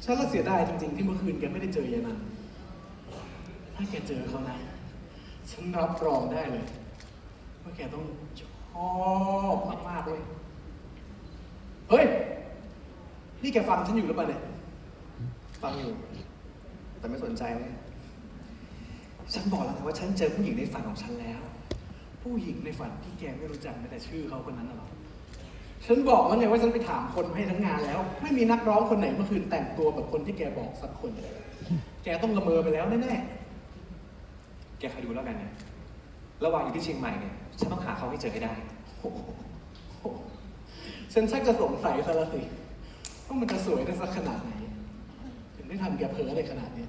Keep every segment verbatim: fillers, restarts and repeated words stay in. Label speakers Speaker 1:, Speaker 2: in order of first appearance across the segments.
Speaker 1: ฉันละเสียดายจริงๆที่เมื่อคืนแกไม่ได้เจอยายนันถ้าแกเจอเขานะฉันรับรองได้เลยว่าแกต้องชอบมากๆเลยเฮ้ยนี่แกฟังฉันอยู่หรือเปล่าเนี่ยฟังอยู่แต่ไม่สนใจเลยฉันบอกแล้วนะว่าฉันเจอผู้หญิงในฝันของฉันแล้วผู้หญิงในฝันที่แกไม่รู้จักแม้แต่ชื่อเขาคนนั้นหรอกฉันบอกแล้วไงว่าฉันไปถามคนให้ทั้งงานแล้วไม่มีนักร้องคนไหนเมื่อคืนแต่งตัวแบบคนที่แกบอกสักคนแกต้องละเมอไปแล้วแน่
Speaker 2: แกคอยดูแล้วกันเนี่ยระหว่างอยู่ที่เชียงใหม่เนี่ยฉันต้องหาเขาให้เจอให้ได้
Speaker 1: ๆโอ้โหฉันชักจะสงสัยซะแล้วสิว่ามันจะสวยได้สักขนาดไหนถึงได้ทำแกเพ้อได้ขนาดนี้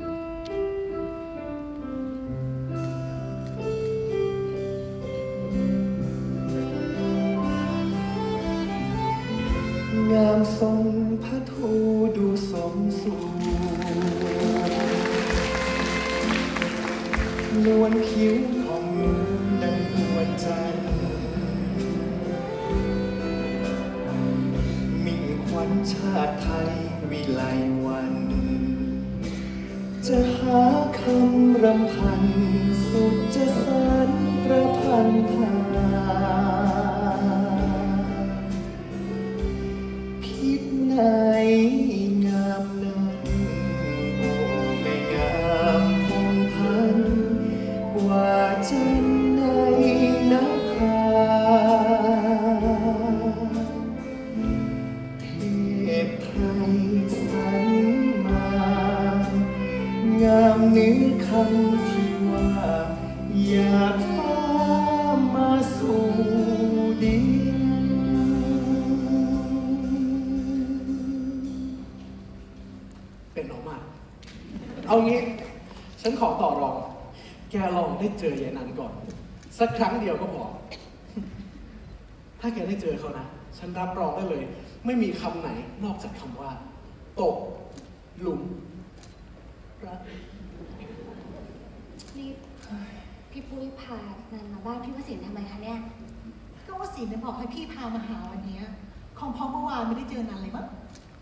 Speaker 1: งามทรงพระทูดูสมสูนวลผิวของดังนวลจันทร์มิ่งขวัญชาติไทยวิไลวัน จะหาคำรำพันสุดจะสานประพันธาพิษไหนงามนั้นโอ้ไม่งามคงพันกว่าจันในนภาเทพไทยสรรมางามเนื้อคำที่ว่าอยากฟ้ามาสู่ดินเป็นออกมาเอางี้ฉันขอต่อรองแกลองได้เจอยายนันก่อนสักครั้งเดียวก็พอถ้าแกได้เจอเขานะฉันรับรองได้เลยไม่มีคำไหนนอกจากคำว่าตกหลุมรัก
Speaker 3: นี่พี่ปุ้ยพานันมาบ้านพี่วสินทำไมคะเนี่ย
Speaker 4: ก็วสินเนี่ยบอกให้พี่พามาหาวันนี้คงเพราะเมื่อวานไม่ได้เจอนันเลยมั้ง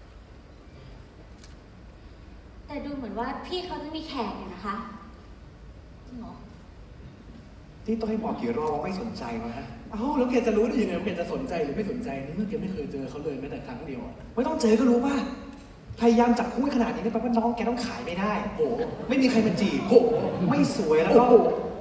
Speaker 3: แต่ดูเหมือนว่าพี่เขาจะมีแขกอยู่นะคะ
Speaker 4: จริงเหรอ
Speaker 2: นี่ต้องให้บอกกี่รอบว่าไม่สนใจวะฮะ
Speaker 1: เอ้าแล้วแกจะรู้ได้ยังไงว่าแกจะสนใจหรือไม่สนใจนี่เมื่อแกไม่เคยเจอเขาเลยแม้แต่ครั้งเดียว
Speaker 2: ไม่ต้องเจอก็รู้ป่ะพยายามจับคู่ขนาดนี้เนี่ยแปลว่าน้องแกต้องขายไม่ได้โอ้ไม่มีใครมาจีบโอ้ไม่สวยแล้วก็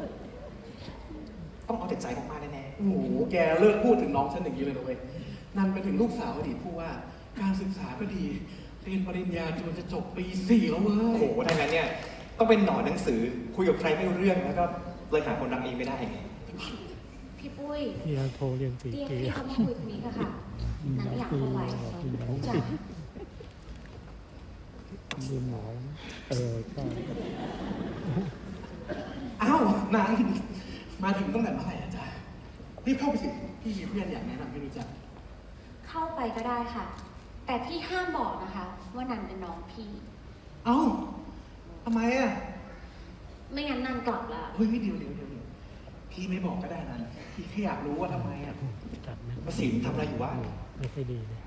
Speaker 2: ต้องเอาแต่ใจมากๆแน่
Speaker 1: ๆโอ้โหแกเลิกพูดถึงน้องฉันอย่างนี้เลยนะเว้ยนันไปถึงลูกสาวอดีตผู้ว่าการศึกษาก็ดีเรียนปริญญาจนจะจบปีสี่แล้วเว้ย
Speaker 2: โอ้โหถ้างั้นเนี่ยต้องเป็นหนอนหนังสือคุยกับใครไม่รู้เรื่องแล้วก็เลยหาคนรักเองไม่ได้ไง
Speaker 3: พี่ปุ้ย
Speaker 5: พี่โทรเรียนตี
Speaker 3: เรียกพี่เขามาคุยตรงนี้ค่ะนันอยากเอาไว้จ้ะ
Speaker 5: ดูหมอเออใช่
Speaker 1: อ้าวนานมาถึงตั้งแต่เมื่อไหร่อาจารย์รีบเข้าไปสิพี่มีเพื่อนอยากแนะนำให้รู้จัก
Speaker 3: เข้าไปก็ได้ค่ะแต่พี่ห้ามบอกนะคะว่านันเป็นน้องพี่
Speaker 1: เอ้าทำไมอ่ะ
Speaker 3: ไม่งั้นนันกลับละ
Speaker 1: เฮ้ยเดี๋ยวเดี๋ยวเดี๋ยวพี่ไม่บอกก็ได้นันพี่แค่อยากรู้ว่าทำไมอ่ะ
Speaker 2: ประสิทธิ์ทำอะไรอยู่วะ
Speaker 5: ไม่ค่อยดีเลย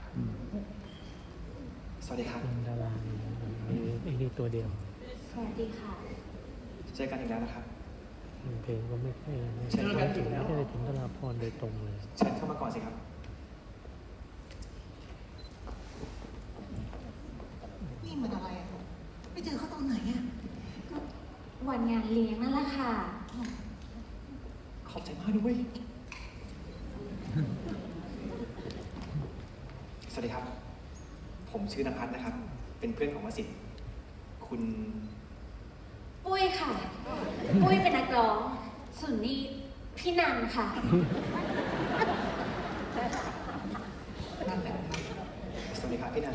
Speaker 2: สวัสดีครับ
Speaker 5: ดาราไอ้นี่ตัวเดียว
Speaker 3: สวัสดีค่ะ
Speaker 2: เจอกันอีกแล้วนะครับ
Speaker 5: เพลงก็ไม่ค่อย
Speaker 1: เจอกันอีกแล้ว
Speaker 5: ไม่ได้ถึงดาราพรโดยตรงเลย
Speaker 2: เชิญเข้ามาก่อนสิครับ
Speaker 4: นี่มันอะไรอ่ะไปเจอเขาตอนไหนอ่ะ
Speaker 3: วันงานเลี้ยงนั่นแหละค่ะ
Speaker 2: ขอบใจมากด้วยสวัสดีครับผมชื่อนภัสนะครับเป็นเพื่อนของวสิทธิ์คุณ
Speaker 3: ปุ้ยค่ะปุ้ยเป็นนักร้องส่วนนี้พี่นันค่ะ
Speaker 1: นั่นแหละ
Speaker 2: สวัสดีครับพี่นัน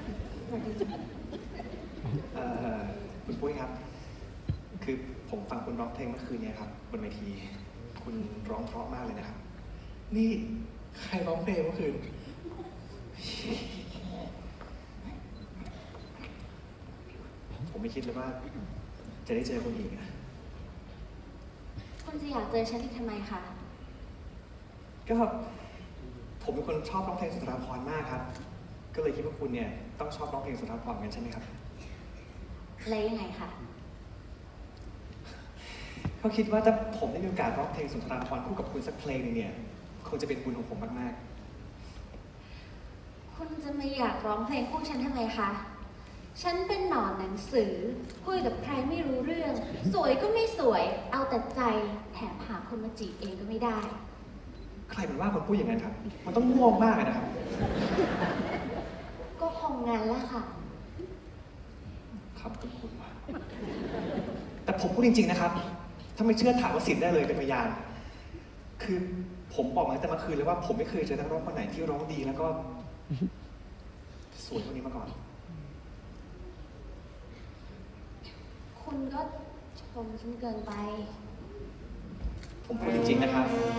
Speaker 2: เอ่อคุณปุ้ยครับคือผมฟังคุณร้องเพลงเมื่อคืนนี้ครับบนเวทีคุณร้องเพราะมากเลยนะครับ
Speaker 1: นี่ใครร้องเพลงเมื่อคืน
Speaker 2: ผมไม่คิดเลยว่าจะได้เจอคนอีกนะ
Speaker 3: คุณจะอยากเจอฉันอีกทำไมคะ
Speaker 2: ก็ผมเป็นคนชอบร้องเพลงสุนทรภรณ์มากครับก็เลยคิดว่าคุณเนี่ยต้องชอบร้องเพลงสุนทรภรณ์กันใช่ไหมครับ
Speaker 3: อะไรยังไงคะ
Speaker 2: เขาคิดว่าถ้าผมได้มีโอกาสร้องเพลงสุนทรภรณ์คู่กับคุณสักเพลงหนึงเนี่ยคงจะเป็นบุญของผมมาก
Speaker 3: คุณจะไม่อยากร้องเพลงคู่ฉันทำไมคะ ฉันเป็นหนอนหนังสือ คุยกับใครไม่รู้เรื่อง สวยก็ไม่สวย เอาแต่ใจ แถมหาคนมาจีบเองก็ไม่ได้
Speaker 2: ๆ ใครเป็นว่าคนพูดอย่างนั้นครับ มันต้องง่วงมากเลยนะครับ
Speaker 3: ก็คงงั้นแหละค่ะ
Speaker 2: ครับคุณคุณว่าแต่ผมพูดจริงๆนะครับ ถ้าไม่เชื่อถามว่าสิทธิ์ได้เลยเป็นพยาน คือผมบอกมาตั้งแต่เมื่อคืนเลยว่าผมไม่เคยเจอนักร้องคนไหนที่ร้องดีแล้วก็ สวยเท่านี้มาก่อน
Speaker 3: คุณก็ชมฉันเกินไป
Speaker 2: ผมพูดจริงๆนะครับ